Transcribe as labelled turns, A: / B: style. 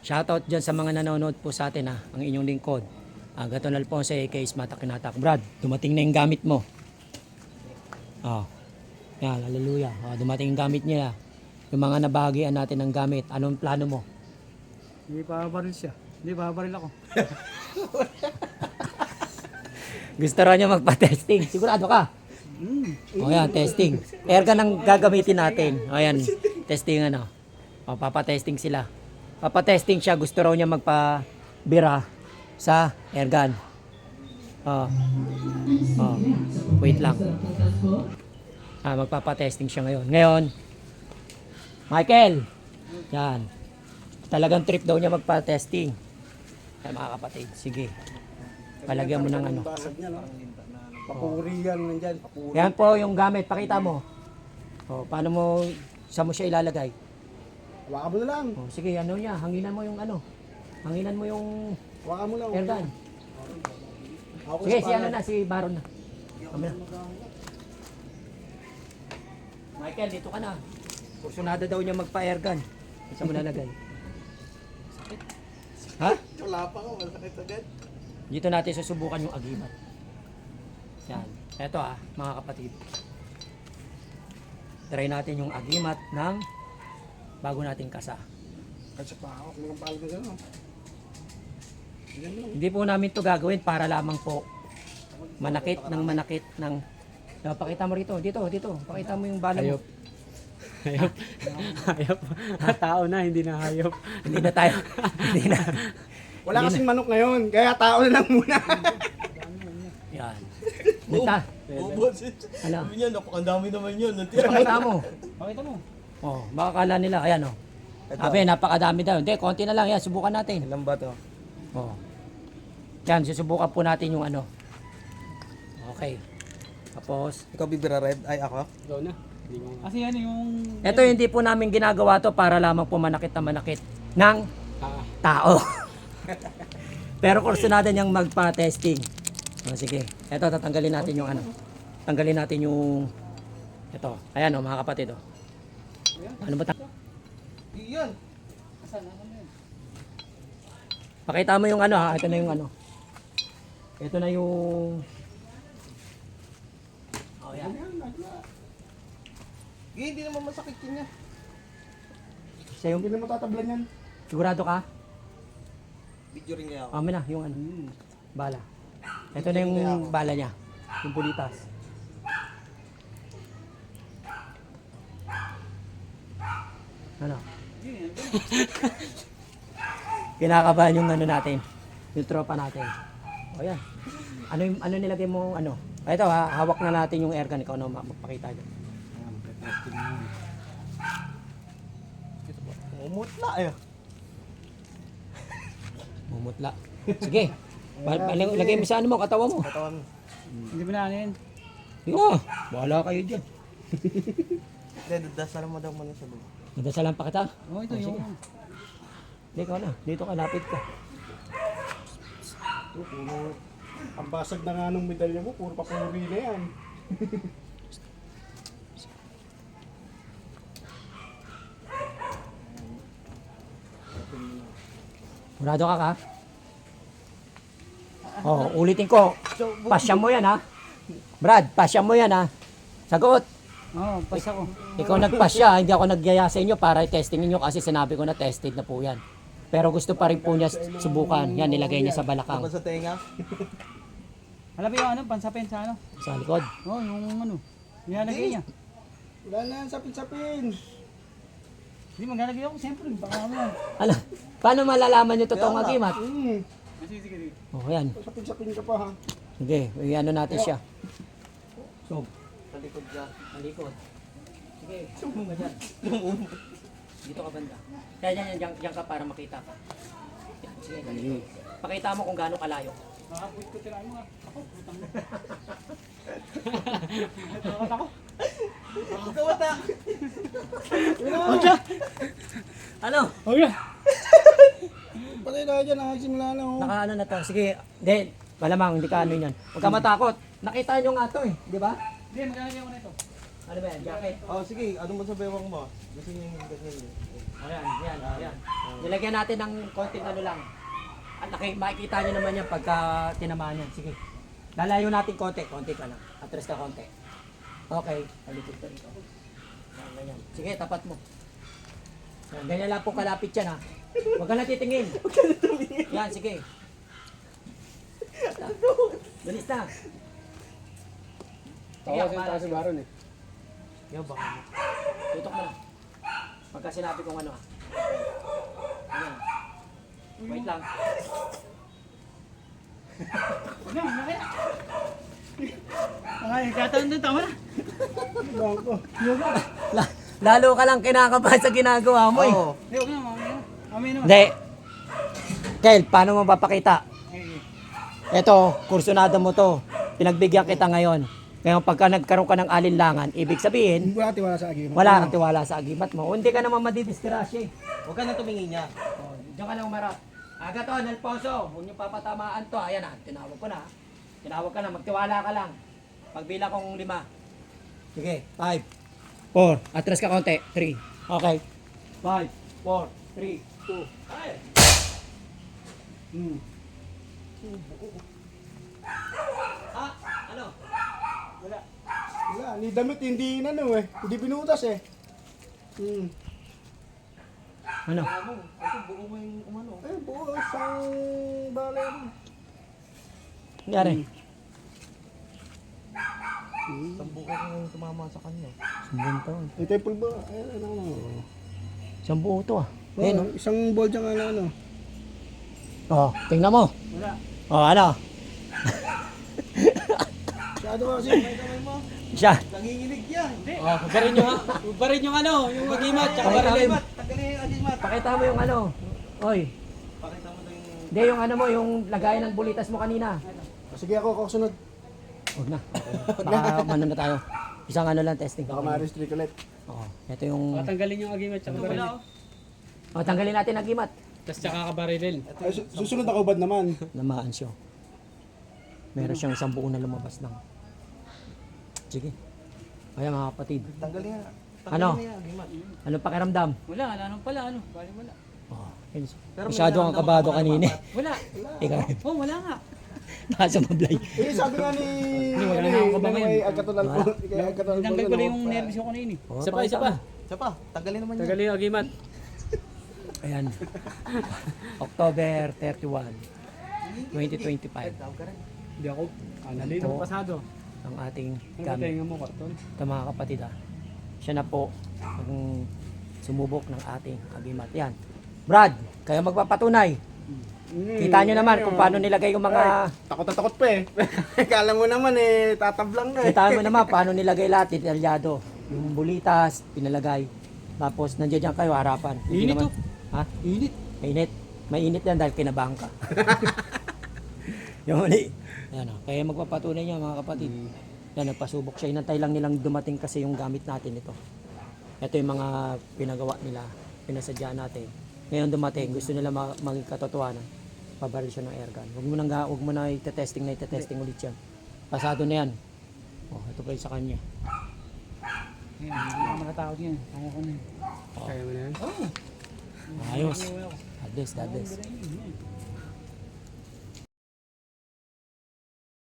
A: Shoutout dyan sa mga nanonood po sa atin ang inyong lingkod. Gaton Alfonso aka Mata Kinatak. Brad, dumating na yung gamit mo. Oh. Yan, hallelujah. Dumating yung gamit niya. Yung mga nabahagian natin ng gamit. Anong plano mo?
B: Hindi pa baril siya. Hindi pa baril ako.
A: Gusto raw niya magpa-testing. Sigurado ka? O yan, testing. Airgun ang gagamitin natin. O yan, testing ano. O, papatesting sila. Papatesting siya. Gusto raw niya magpa-bira sa airgun. O. O. Wait lang. Magpapatesting siya ngayon. Ngayon, Michael. Yan. Talagang trip daw niya magpa-testing. Ay, mga kapatid. Sige. Palagyan mo ng ano.
B: Papuri yan nandyan. Papuri.
A: Yan po yung gamit. Pakita mo. O, paano mo, saan mo siya ilalagay?
B: Hawakan mo na lang.
A: O, sige, ano niya. Hanginan mo yung ano. Hanginan mo yung
B: Hawakan mo lang.
A: airgun.
B: Ako
A: Sige,
B: sa
A: si ano
B: pangalan.
A: na, si Baron na. Kami na. Michael, dito ka na. Kursunada daw niya magpa-airgun. Saan mo nalagay? Ha?
B: Wala pa ako. Masakit agad.
A: Dito natin susubukan yung agimat. Yan. Eto mga kapatid. Try natin yung agimat ng bago nating kasa.
B: Kasi pa ako. Kung palo ka gano'n.
A: Hindi po namin to gagawin para lamang po manakit ng pakita mo rito, dito. Pakita mo yung bala mo.
C: Hayop. Hayop. Tao na, hindi na hayop.
A: Hindi na tayo. Hindi na.
B: Wala kasing manok ngayon. Kaya tao na lang muna.
A: Yan. Nita. Ano?
D: Sabi niya, napakandami naman yun.
A: Pakita mo.
C: Pakita mo.
A: Oh, baka kala nila, ayan oh. Sabi, napakadami daw. Hindi, konti na lang. Yan, subukan natin.
D: Ilan ba to?
A: Oh. Yan, susubukan po natin yung ano. Okay. Tapos,
D: Ikaw bibira red? Ay, ako?
C: Ikaw na. Kasi yan yung...
A: ito hindi po namin ginagawa to para lamang po manakit na manakit ng tao. Pero kursunada niyang magpa-testing. Oh, sige. Ito, tatanggalin natin yung ano. Tanggalin natin yung... Ito. Ayan mga kapatid Ano ba?
D: Iyan!
A: Pakita mo yung ano Ito na yung ano. Ito na yung... Oh, yan.
D: Hindi naman masakit yun niya.
A: Siya yung...
B: Hindi na matatablan yan.
A: Sigurado ka?
D: Video rin niya ako.
A: Amin na, yung ano. Bala. Ito na yung bala niya. Yung bulitas. Ano? Kinakabahan yung ano natin. Yung tropa natin. O yan. Ano nilagay mo ano? Ito hawak na natin yung airgun. Ikaw na magpakita dyan.
D: Umutla eh.
A: Mumutla. Sige. Lagay mo sa ano mo, katawa mo.
D: Katawan.
C: Hindi mo na ano yun.
A: Hindi na. Bahala kayo dyan.
D: Hindi, dasal mo daw muna sa baba.
A: Nadasalan pa kita.
C: Oh, ito yung...
A: Hindi, ikaw na. Dito ka, lapit ka.
B: Puro. Ang basag na nga ng medalya mo. Puro papuri na yan.
A: Murado ka. Oh, ulitin ko. Pasya mo yan Brad, pasya mo yan Sagot.
C: Oo, pas ako.
A: Ikaw nagpasya, hindi ako nagyaya sa inyo para i-testingin nyo kasi sinabi ko na tested na po yan. Pero gusto pa rin po niya subukan. Yan, nilagay niya sa balakang.
D: Tapos sa tenga?
C: Alam mo yung ano, pansapin sa ano?
A: Sa likod.
C: Oo, yung ano. Nilalagay niya.
B: Wala na yan. Sapin-sapin.
C: Hindi, maglalagay ako. Siyempre, baka ano yan.
A: Ano? Paano malalaman yung totoong agimat?
C: Sige.
A: Oh, yan.
B: Sapin-sapin ka pa ha.
A: Sige, ano natin siya. So,
D: Sa likod siya.
A: malikod. Sige, sumbong ka dyan. Dito ka banda. Kaya dyan ka para makita ka. Yan, sige, malikod. Pakita mo kung gaano kalayo.
C: Makapuit ko tirahin mo Ako, putang mo.
D: Ikaw ata!
A: Ano?
C: Okay.
B: Patay na dyan. Nakasimula na oh.
A: Naka ano na to. Sige, malamang hindi ka ano yan. Huwag ka matakot. Nakita nyo nga to di ba?
C: Hindi, maglalagay ako na ito.
A: Ano ba yan? Jacket?
D: Oh, sige, ano mo sa bewang mo? Gusto niyo yung ganyan eh.
A: Ayan, yan. Nilagyan natin ng konting ano lang. At makikita nyo naman yan pagka tinamaan yan. Sige. Lalayo natin konti ka lang. Atras ka konti. Okay, palikod ka rito. Yan, ganyan. Sige, tapat mo. Yan, ganyan lang po kalapit yan ha. Huwag ka na titingin. Yan, sige. Bilis na. Sige, ako pala.
B: si Baron eh.
A: Yo, baka mo. Tutok mo na. Pagka sinabi kong ano ah. Ayan. Wait lang. Lalo ka lang kinakabahan sa ginagawa mo eh.
D: Oo.
A: Hindi. Kel, paano mo papakita? Ito, kursunada mo to. Pinagbigyan kita ngayon. Ngayon, pagka nagkaroon ka ng alinlangan, ibig sabihin,
B: Wala tiwala sa agimat.
A: wala kang tiwala sa agimat mo. O, hindi ka naman madidisgrasya eh.
D: Huwag ka na tumingin niya.
A: O, diyan ka lang umarap. Agaton, Alfonso, huwag niyo papatamaan to. Ayan na, tinawag ko na. Tinawag ka na, magtiwala ka lang. Pagbilang kong 5. Sige, 5, 4, atras ka konti, 3. Okay. 5, 4, 3, 2. Ay! Ah, ano?
B: Wala, ni damit hindi inano eh. Hindi pinutas eh.
A: Ano?
D: Ito, buo mo yung umano.
B: Eh, buo isang balay mo.
A: Nangyari?
D: Isang buo ko yung tumama sa kanya.
A: Sumbong taon.
B: Eh, temple ba? Eh, ano.
A: Isang buo to ah.
B: Oh,
A: Ayun oh.
B: isang ball dyan ano.
A: Oh, tingnan mo.
C: Wala.
A: Oh, ano?
B: Masyado ba kasi?
A: Siya.
D: Nanginginig yan.
C: Oh, barin yung ano, yung agimat, tsaka barilin.
D: Tanggalin yung agimat.
A: Pakita mo yung ano. Oy,
D: Pakita mo na yung...
A: hindi yung ano mo, yung lagay ng bulitas mo kanina.
B: Sige ako kasunod.
A: Huwag na. Baka ano na tayo. Isang ano lang testing.
B: Baka ma-restrict ulit.
A: Oo. Ito yung...
C: Tanggalin yung agimat, tsaka barilin.
A: Oh, tanggalin natin ang gimat.
C: Tapos tsaka kabarilin.
B: Ay, susunod ako bad naman.
A: Namaan siya. Meron siyang isang buo na lumabas lang. Sige. Kaya mga kapatid.
D: Tanggalin nga.
A: Ano?
D: Tanggalin na yung agimat.
A: Anong pakiramdam?
C: Wala naman pala, ano? Bali wala.
A: Oh, yun.
D: Pero
A: Masyado kang kabado kanina.
C: Wala.
A: Ikaw.
C: Oh, wala nga.
A: Nasa mablay.
B: Eh, sabi nga ni...
C: wala na akong kabangan.
B: Kay Agkatulan po. Kay Agkatulan po.
C: Tanggal ko na yung nervous ko kanina.
A: Oh,
C: Isa pa,
A: pakita
C: isa pa.
A: mo.
D: Siya pa, tanggalin naman yan.
C: Tanggalin yung agimat.
A: Ayan. October 31, 2025.
D: Tawag ka rin.
C: Hindi ako. Nalito
A: Oo.
C: pasado.
A: Ang ating
C: Ano
A: gamit.
C: tenga mo, karton?
A: Ito mga kapatid ah. Siya na po ang sumubok ng ating agimat. Yan. Brad, kayo magpapatunay. Kita nyo naman kung paano nilagay yung mga...
B: Takot na takot pa eh. Kala mo naman eh, tatablang na eh.
A: Kita mo naman paano nilagay lahat, detalyado. Yung bulitas, pinalagay. Tapos nandiyan dyan kayo harapan. Hindi
C: Init
A: naman-
C: oh.
A: Ha?
C: Init.
A: Mainit. Mainit yan dahil kinabahan ka. Yung mali. Yan o. Kaya magpapatunay niya mga kapatid. Yan, nagpasubok siya. Inantay lang nilang dumating kasi yung gamit natin ito. Ito yung mga pinagawa nila. Pinasadya natin. Ngayon dumating. Gusto nila maging katotohanan. Pabaril siya ng airgun. Huwag mo na itetesting ulit yan. Pasado na yan. Oh, ito pa yung sa kanya.
C: Hindi ako nakatakot yan. Kaya ko na yun.
A: Oh.
C: Kaya mo na yan?
A: Ayos. God bless.